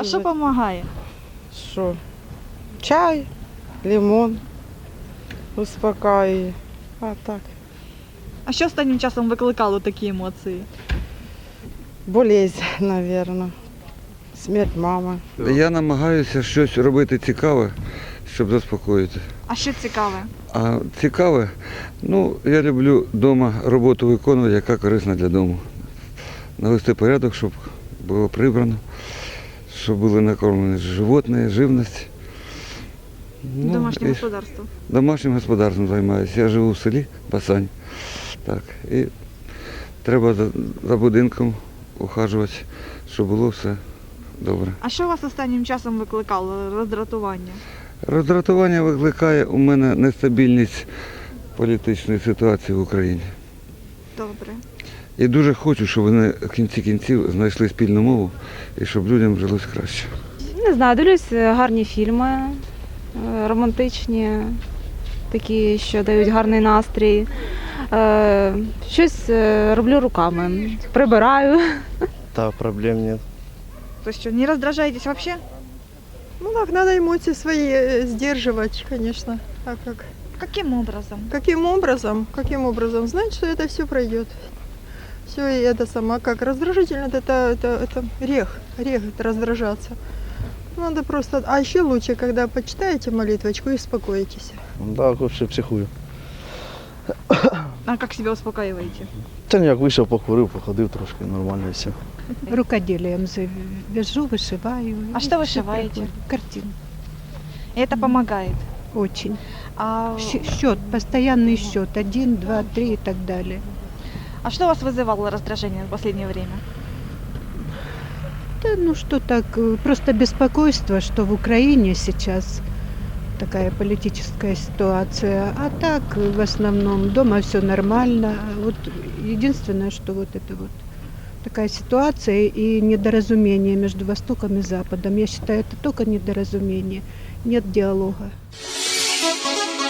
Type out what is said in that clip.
А що сказати. допомагає? Що? Чай, лимон успокаює. А так. А що останнім часом викликало такі емоції? Болезнь, мабуть. Смерть мами. Я намагаюся щось робити цікаве, щоб заспокоїти. А що цікаве? А цікаве, я люблю вдома роботу виконувати, яка корисна для дому. Навести порядок, щоб було прибрано, щоб були накормлені животні, живність. Домашнє і господарство. Домашнім господарством займаюся. Я живу в селі Басань. Так, і треба за будинком ухажувати, щоб було все добре. А що вас останнім часом викликало роздратування? Роздратування викликає у мене нестабільність політичної ситуації в Україні. Добре. І дуже хочу, щоб вони в кінці кінців знайшли спільну мову і щоб людям жилось краще. Не знаю, дивлюсь гарні фільми, романтичні, такі, що дають гарний настрій. Щось роблю руками, прибираю. Да, проблем нет. То що, не роздражаєтесь взагалі? Ну так, надо эмоции свои сдерживать, конечно. А как? Яким образом? Каким образом? Каким образом? Знать, что это все пройдет. Все и это сама как раздражительно, это грех это раздражаться. Надо просто, а еще лучше, когда почитаете молитвочку и успокоитесь. Да, вообще психую. А як себе успокаиваете? Та ніяк вийшов, покурив, походив трошки, нормально і все. Рукоделием вяжу, вышиваю. А и что всё вышиваете? проходит. Картин. И это помогает. Очень. А, Счет, постоянный счет. 1, 2, 3 и так далее. а что у вас вызывало раздражение в последнее время? Да, ну что так, просто беспокойство, что в Украине сейчас такая политическая ситуация. А так, в основном, дома все нормально. Вот единственное, что вот это вот такая ситуация и недоразумение между Востоком и Западом. Я считаю, это только недоразумение. Нет диалога.